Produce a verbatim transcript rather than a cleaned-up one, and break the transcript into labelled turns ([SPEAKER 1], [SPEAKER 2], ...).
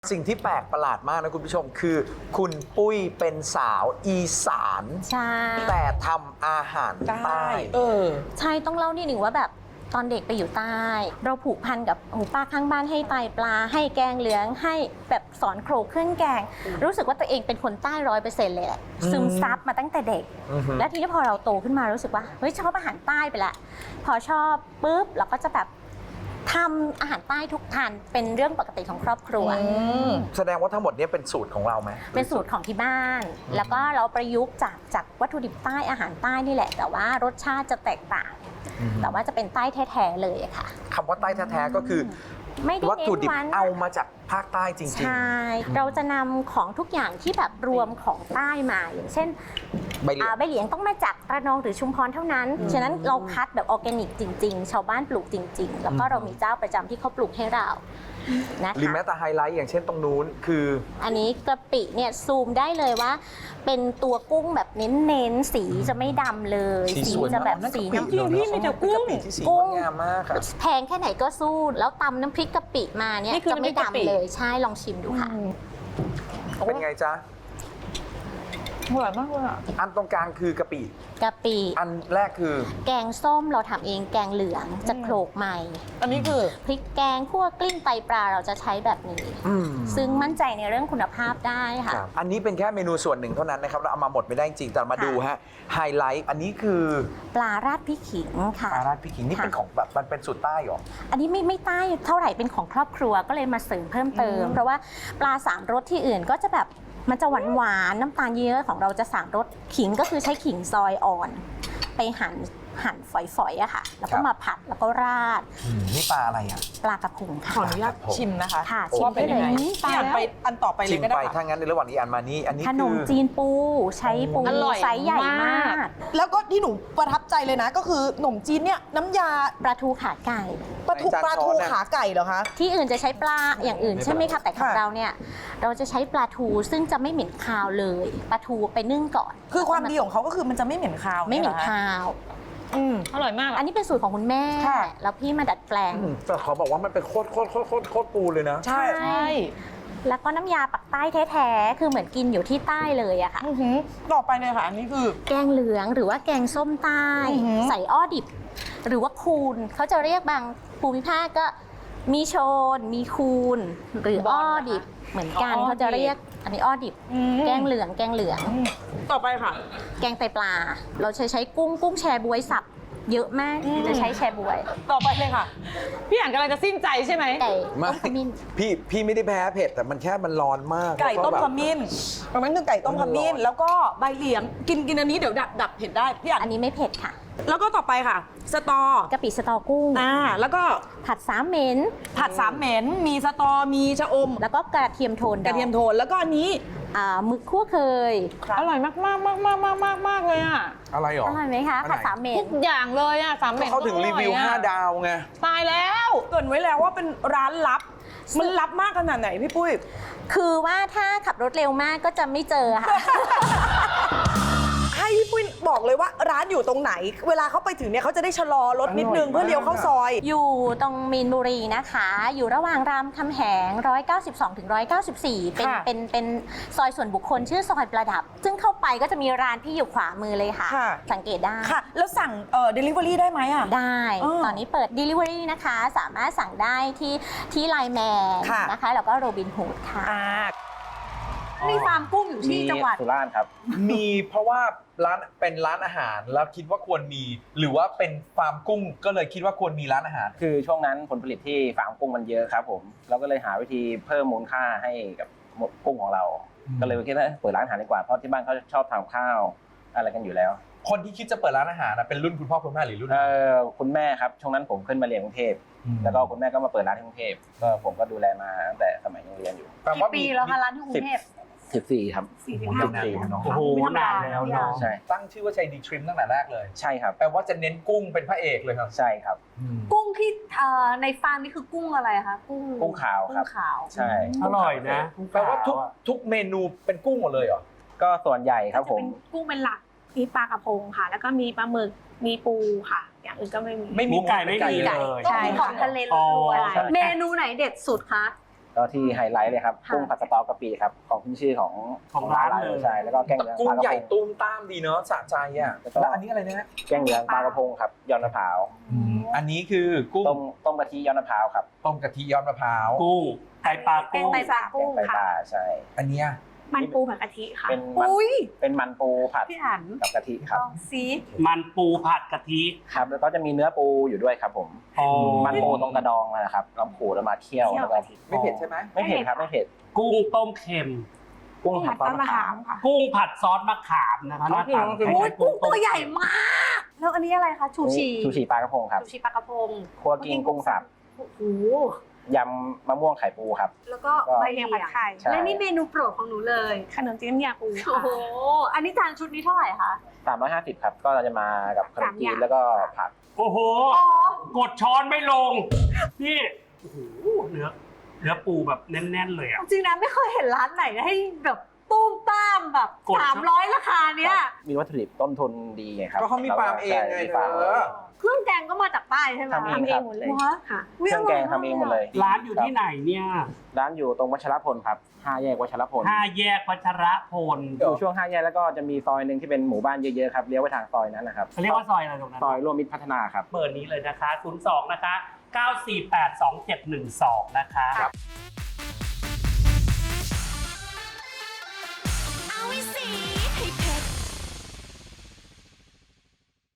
[SPEAKER 1] สิ่งที่แปลกประหลาดมากนะคุณผู้ชมคือคุณปุ้ยเป็นสาวอีสาน
[SPEAKER 2] ใช่
[SPEAKER 1] แต่ทำอาหารใต้
[SPEAKER 3] เออ
[SPEAKER 2] ใช่ต้องเล่านิดหนึ่งว่าแบบตอนเด็กไปอยู่ใต้เราผูกพันกับหูป้าข้างบ้านให้ไตปลาให้แกงเหลืองให้แบบสอนโขลกเครื่องแกงรู้สึกว่าตัวเองเป็นคนใต้ร้อยเปอร์เซ็นต์เลยแหละซึมซับมาตั้งแต่เด็กและทีนี้พอเราโตขึ้นมารู้สึกว่าเฮ้ยชอบอาหารใต้ไปละพอชอบปุ๊บเราก็จะแบบทำอาหารใต้ทุกทานเป็นเรื่องปกติของครอบครัว
[SPEAKER 1] แสดงว่าทั้งหมดนี้เป็นสูตรของเราไหม
[SPEAKER 2] เป็นสูตรของที่บ้านแล้วก็เราประยุกต์จากจากวัตถุดิบใต้อาหารใต้นี่แหละแต่ว่ารสชาติจะแตกต่างแต่ว่าจะเป็นใต้แท้ๆเลยค่ะ
[SPEAKER 1] คำว่าใต้แท้ๆก็คือวัตถุดิบเอามาจากภาคใต้จริงๆ
[SPEAKER 2] ใช่เราจะนำของทุกอย่างที่แบบรวมของใต้มาอย่างเช่นใบเหลียงใบเหลียงต้องมาจากระนองหรือชุมพรเท่านั้นฉะนั้นเราคัดแบบออร์แกนิกจริงๆชาวบ้านปลูกจริงๆแล้วก็เรามีเจ้าประจำที่เขาปลูกให้เรานะคะ
[SPEAKER 1] หรือแม้แต่ไฮไลท์อย่างเช่นตรงนู้นคือ
[SPEAKER 2] อันนี้กะปิเนี่ยซูมได้เลยว่าเป็นตัวกุ้งแบบเน้นๆสีจะไม่ดำเลยสีจะแบบสีน้ำ
[SPEAKER 3] จริงพี่มีแต่กุ้ง
[SPEAKER 1] กุ้งงามมากค่ะ
[SPEAKER 2] แพงแค่ไหนก็สู้แล้วตำน้ำพริกกะปิมาเนี่ยจะไม่ดำเลยใช่ลองชิมดูค่ะ
[SPEAKER 1] เป็นไงจ๊ะ
[SPEAKER 3] อร่อยมากเลยอ่ะ
[SPEAKER 1] อันตรงกลางคือกะปิ
[SPEAKER 2] กะปิ
[SPEAKER 1] อันแรกคือ
[SPEAKER 2] แกงส้มเราทำเองแกงเหลืองจะโขลกใหม่
[SPEAKER 3] อันนี้คือ
[SPEAKER 2] พริกแกงคั่วกลิ้งไตปลาเราจะใช้แบบนี้ซึ่งมั่นใจในเรื่องคุณภาพได้ค่ะ
[SPEAKER 1] อันนี้เป็นแค่เมนูส่วนหนึ่งเท่านั้นนะครับเราเอามาหมดไม่ได้จริงแต่มาดูฮะไฮไลท์อันนี้คือ
[SPEAKER 2] ปลาราดพริกขิงค่ะ
[SPEAKER 1] ปลาราดพริกขิงนี่เป็นของแบบมันเป็นสูตรใต้หรอ
[SPEAKER 2] อันนี้ไม่ไม่ใต้เท่าไหร่เป็นของครอบครัวก็เลยมาเสริมเพิ่มเติมเพราะว่าปลาสามรสที่อื่นก็จะแบบมันจะหวานหวานน้ำตาลเยอะของเราจะสามรสขิงก็คือใช้ขิงซอยอ่อนไปหั่นหั่นฝอยๆอะค่ะแล้วก็มาผัดแล้วก็ราด
[SPEAKER 1] นี่ปลาอะไรอะ
[SPEAKER 2] ปลากระพงค่ะ
[SPEAKER 3] ขออนุญาตชิมนะคะ
[SPEAKER 2] ค่ะชิม
[SPEAKER 3] ไปเลยพี่อันไปอันต่อไปเลยก็ได้
[SPEAKER 1] ชิมไปถ้างั้นในระหว่างนี้อันมานี่อันนี้
[SPEAKER 2] ขนมจีนปูใช้ปูไซส์ใหญ่มาก
[SPEAKER 3] แล้วก็ที่หนูประทับใจเลยนะก็คือขนมจีนเนี่ยน้ำยา
[SPEAKER 2] ปลาทูขาไก่
[SPEAKER 3] ปลาทูปลาทูขาไก่เหรอคะ
[SPEAKER 2] ที่อื่นจะใช้ปลาอย่างอื่นใช่ไหมคะแต่ของเราเนี่ยเราจะใช้ปลาทูซึ่งจะไม่เหม็นคาวเลยปลาทูไปนึ่งก่อน
[SPEAKER 3] คือความดีของเขาก็คือมันจะไม่เหม็นคาว
[SPEAKER 2] ไม่เหม็นคาว
[SPEAKER 3] อืมอร่อยมาก
[SPEAKER 2] อันนี้เป็นสูตรของคุณแม่แล้วพี่มาดัดแปลง
[SPEAKER 1] แต่ขอบอกว่ามันเป็นโคตรโคตรโคตรโคตรโคตรปูเลยนะ
[SPEAKER 3] ใช่ใช่
[SPEAKER 2] แล้วก็น้ำยาปักใต้แท้ๆคือเหมือนกินอยู่ที่ใต้เลยอะค่ะ
[SPEAKER 3] ต่อไปเลยค่ะอันนี้คือ
[SPEAKER 2] แกงเหลืองหรือว่าแกงส้มใต้ใส่อ้อดิบหรือว่าคูนเขาจะเรียกบางภูมิภาคก็มีโชนมีคูนหรืออ้อดิบเหมือนกันเขาจะเรียกอันนี้อ้อดิบแกงเหลืองแกงเหลือง
[SPEAKER 3] ต่อไปค่ะ
[SPEAKER 2] แกงไตปลาเราใช้ใช้กุ้งกุ้งแชบวยสับเยอะมากจะใช้แชบวย
[SPEAKER 3] ต่อไปเลยค่ะพี่อ่านกำลังจะสิ้นใจใช่ไหม
[SPEAKER 2] ไก่ต้มขมิ้น
[SPEAKER 1] พี่พี่ไม่ได้แพ้เผ็ดแต่มันแค่มันร้อนมาก
[SPEAKER 3] ไก่ต้มขมิ้นประมาณนึงไก่ต้มขมิ้นแล้วก็ใบเหลียงกินกินอันนี้เดี๋ยวดับดับเผ็ดได้พี่อ่าน
[SPEAKER 2] อันนี้ไม่เผ็ดค่ะ
[SPEAKER 3] แล้วก็ต่อไปค่ะสตอก
[SPEAKER 2] ะปิสตอกุ้ง
[SPEAKER 3] อ่าแล้วก็
[SPEAKER 2] ผัดสามเหม็น
[SPEAKER 3] ผัดสามเหม็นมีสตอมีชะอม
[SPEAKER 2] แล้วก็กระเทียมโทน
[SPEAKER 3] กระเทียมโทนแล้วก็อันนี้
[SPEAKER 2] อ่าหมึกคั่วเคย
[SPEAKER 3] อร่อยมากมากมากมากมากมากมากเลยอ่ะ
[SPEAKER 1] อะไรหรอ
[SPEAKER 2] อร่อยไหมคะผัดสามเหม็น
[SPEAKER 3] ทุกอย่างเลยอ่ะสามเหม็น
[SPEAKER 1] เขาถึงรีวิวห้าดาวไง
[SPEAKER 3] ตายแล้วเกริ่นไว้แล้วว่าเป็นร้านลับมันลับมากขนาดไหนพี่ปุ้ย
[SPEAKER 2] คือว่าถ้าขับรถเร็วมากก็จะไม่เจอค่ะ
[SPEAKER 3] ให้พี่ปุ้ยบอกเลยว่าร้านอยู่ตรงไหนเวลาเขาไปถึงเนี่ยเขาจะได้ชะลอรถนิดนึงเพื่อเลี้ยวเข้าซอย
[SPEAKER 2] อยู่ตรงมีนบุรีนะคะอยู่ระหว่างรามคำแหงหนึ่งร้อยเก้าสิบสองถึงหนึ่งร้อยเก้าสิบสี่เป็นเป็นเป็นซอยส่วนบุคคลชื่อซอยประดับซึ่งเข้าไปก็จะมีร้านพี่อยู่ขวามือเลยค่ะสังเกตได้
[SPEAKER 3] ค่ะแล้วสั่งเอ่อ delivery ได้ไหมอ่ะ
[SPEAKER 2] ได้ตอนนี้เปิด delivery นะคะสามารถสั่งได้ที่ที่ไลน์แมนนะคะแล้วก็โรบินฮูดค่ะ
[SPEAKER 3] มีฟาร์มกุ้งอยู่ที่จังหวัด
[SPEAKER 4] สุราษฎร์ครับ
[SPEAKER 1] มีเพราะว่าร้านเป็นร้านอาหารแล้วคิดว่าควรมีหรือว่าเป็นฟาร์มกุ้งก็เลยคิดว่าควรมีร้านอาหาร
[SPEAKER 4] คือช่วงนั้นผลผลิตที่ฟาร์มกุ้งมันเยอะครับผมเราก็เลยหาวิธีเพิ่มมูลค่าให้กับกุ้งของเราก็เลยคิดว่าเปิดร้านอาหารดีกว่าเพราะที่บ้านเขาชอบทำข้าวอะไรกันอยู่แล้ว
[SPEAKER 1] คนที่คิดจะเปิดร้านอาหารเป็นรุ่นคุณพ่อคุณแม่หรือรุ่น
[SPEAKER 4] เออคุณแม่ครับช่วงนั้นผมขึ้นมาเรียนกรุงเทพแล้วก็คุณแม่ก็มาเปิดร้านที่กรุงเทพก็ผมก็ดูแลมาตั้งแต่สมัยยังเรียนอยู่
[SPEAKER 3] กี่ปีแล้วคะร้านที่กรุงเทพ
[SPEAKER 4] สิบสี่ครับ
[SPEAKER 3] สี่สิบห้าปี
[SPEAKER 1] โอ้โหนานแล้วเนาะใช่ตั้งชื่อว่าชัยดีทริมตั้งแต่แรกเลย
[SPEAKER 4] ใช่ครับ
[SPEAKER 1] แปลว่าจะเน้นกุ้งเป็นพระเอกเลยครับ
[SPEAKER 4] ใช่ครับ
[SPEAKER 3] กุ้งที่ในฟาร์มนี่คือกุ้งอะไรคะกุ้ง
[SPEAKER 4] กุ้งขาวครับ
[SPEAKER 3] ขาว
[SPEAKER 4] ใช่
[SPEAKER 1] อร่อยนะแปลว่าทุกทุกเมนูเป็นกุ้งหมดเลยเหรอ
[SPEAKER 4] ก็ส่วนใหญ่ครับผม
[SPEAKER 5] กุ้งเป็นหลักมีปลากระพงค่ะแล้วก็มีปลาหมึกมีปูค่ะอย่างอื่นก็ไม่มี
[SPEAKER 1] ไม่มี
[SPEAKER 6] ไก่ไม่มีเลย
[SPEAKER 5] ใช่ของทะเลล้วนๆเมนูไหนเด็ดสุดคะ
[SPEAKER 4] ก็ที่ไฮไลท์เลยครับ
[SPEAKER 2] ค่ะ
[SPEAKER 4] กุ้งผัดสตอกะปิครับของขึ้นชื่อของ
[SPEAKER 6] ของร้านเลย
[SPEAKER 4] ใช่แล้วก็แกงเหลือง
[SPEAKER 1] กุ้
[SPEAKER 4] ป
[SPEAKER 1] ง
[SPEAKER 4] ลากระ
[SPEAKER 1] ใหญ่
[SPEAKER 4] พง
[SPEAKER 1] ตุ้มตามดีเนาะสะใจอ่ะ
[SPEAKER 4] แล้วก็
[SPEAKER 1] แล้วอันนี้อะไรนะฮะ
[SPEAKER 4] แกงเหลืองปลากระพงครับยอดมะพร้าว
[SPEAKER 1] อันนี้คือกุ้ง
[SPEAKER 4] ต้มต้มกะทิยอดมะพร้าวครับ
[SPEAKER 1] ต้มกะทิยอดมะพร้าว
[SPEAKER 6] กุ้งไตปลา
[SPEAKER 5] แกง
[SPEAKER 6] กุ้ง
[SPEAKER 5] ไตปลากุ้ง
[SPEAKER 4] แกงไตป
[SPEAKER 5] ค่ะ
[SPEAKER 4] ลาใช่
[SPEAKER 1] อันเนี้ย
[SPEAKER 5] มันปูผัดกะทิค่ะ
[SPEAKER 4] เป็นมัน
[SPEAKER 3] อุ้ย
[SPEAKER 4] เป็นมันปูผัด
[SPEAKER 3] พี่อัน
[SPEAKER 4] กับกะทิครับ
[SPEAKER 3] ลองซี
[SPEAKER 6] มันปูผัดกะทิ
[SPEAKER 4] ครับแล้วก็จะมีเนื้อปูอยู่ด้วยครับผม
[SPEAKER 6] อ๋อ
[SPEAKER 4] มันปูตรงกระดองนะครับเราขูดแล้วมาเคี่ยว
[SPEAKER 5] เคี่ยว
[SPEAKER 4] แล้วก็
[SPEAKER 5] กะทิ
[SPEAKER 1] ไม่เผ็ดใช่ไหม
[SPEAKER 4] ไม่เผ็ดครับไม่เผ็ด
[SPEAKER 6] กุ้งต้มเค็ม
[SPEAKER 4] กุ้งผัดซอส
[SPEAKER 5] ต้น
[SPEAKER 4] มะ
[SPEAKER 5] มะ
[SPEAKER 4] ขา
[SPEAKER 5] ขาม มค่ะ
[SPEAKER 6] กุ้งผัดซอสมะขามนะคะหน้าตา
[SPEAKER 4] กุ้ง
[SPEAKER 3] โอ้ยกุ้งตัวใหญ่มาก แล้วอันนี้อะไรคะ ชูชี
[SPEAKER 4] ชูชีปลากระพงครับ
[SPEAKER 3] ชูชีปลากระพง
[SPEAKER 4] คั่วกิ้งกุ้งสับ
[SPEAKER 3] โอ้โห
[SPEAKER 4] ยำมะม่วงไข่ปูครับ
[SPEAKER 3] แล้วก็
[SPEAKER 4] ก็
[SPEAKER 3] ใบ
[SPEAKER 5] ใบ
[SPEAKER 3] เห
[SPEAKER 5] เลี
[SPEAKER 3] ลี
[SPEAKER 5] ย
[SPEAKER 3] ย
[SPEAKER 5] ง
[SPEAKER 3] ง
[SPEAKER 5] ผัดไข่
[SPEAKER 4] ใช่
[SPEAKER 3] และนี่เมนูโปรดของหนูเลย
[SPEAKER 5] ขนมจีนน้ำยาปู
[SPEAKER 3] โอ้
[SPEAKER 5] ค่ะ
[SPEAKER 3] โห อันนี้จานชุดนี้เท่าไหร่คะ
[SPEAKER 4] สามร้อยห้าสิบครับ ก็จะมากับขนมจีนแล้วก็ผัก
[SPEAKER 6] โอ้โห
[SPEAKER 3] อ๋อ
[SPEAKER 6] กดช้อนไม่ลง นี่ โอ้โห เนื้อ เนื้อปูแบบแน่นๆเลยอ่ะ
[SPEAKER 3] จริงนะไม่เคยเห็นร้านไหนให้แบบตุ้มตามแบบ
[SPEAKER 6] กด
[SPEAKER 3] สามร้อยราคาเนี้ย
[SPEAKER 4] มีวัตถุดิบต้นทุนดีไงครับ
[SPEAKER 1] ก็เขามีฟาร์มเองไง
[SPEAKER 4] ใช่มี
[SPEAKER 1] เธ
[SPEAKER 4] ฟาร์ม
[SPEAKER 1] อ
[SPEAKER 3] เครื่องแกงก็มาจากใต้ใช่ไหม
[SPEAKER 4] ทำเอง
[SPEAKER 5] ทำเองหมดเลย
[SPEAKER 3] ว้า
[SPEAKER 5] ค่ะ
[SPEAKER 3] อุ๊ย
[SPEAKER 4] เครื่องแกงทำเองหมดเลย
[SPEAKER 6] ร้านอยู่ที่ไหนเนี่ย
[SPEAKER 4] ร้านอยู่ตรงวัชรพลครับห้าแยกวัชรพล
[SPEAKER 6] ห้าแยกวัชรพล
[SPEAKER 4] อยู่ช่วงห้าแยกแล้วก็จะมีซอยหนึ่งที่เป็นหมู่บ้านเยอะๆครับเลี้ยวไปทางซอยนั้นนะครับ
[SPEAKER 6] เขาเรียกว่าซอยอะไรตรงนั้น
[SPEAKER 4] ซอยร่วมมิตรพัฒนาครับ
[SPEAKER 6] เบอร์นี้เลยนะคะ ศูนย์ สอง นะคะ เก้า สี่ แปด สอง เจ็ด หนึ่ง สอง นะคะ
[SPEAKER 1] ครับ
[SPEAKER 7] เอาไว้สิ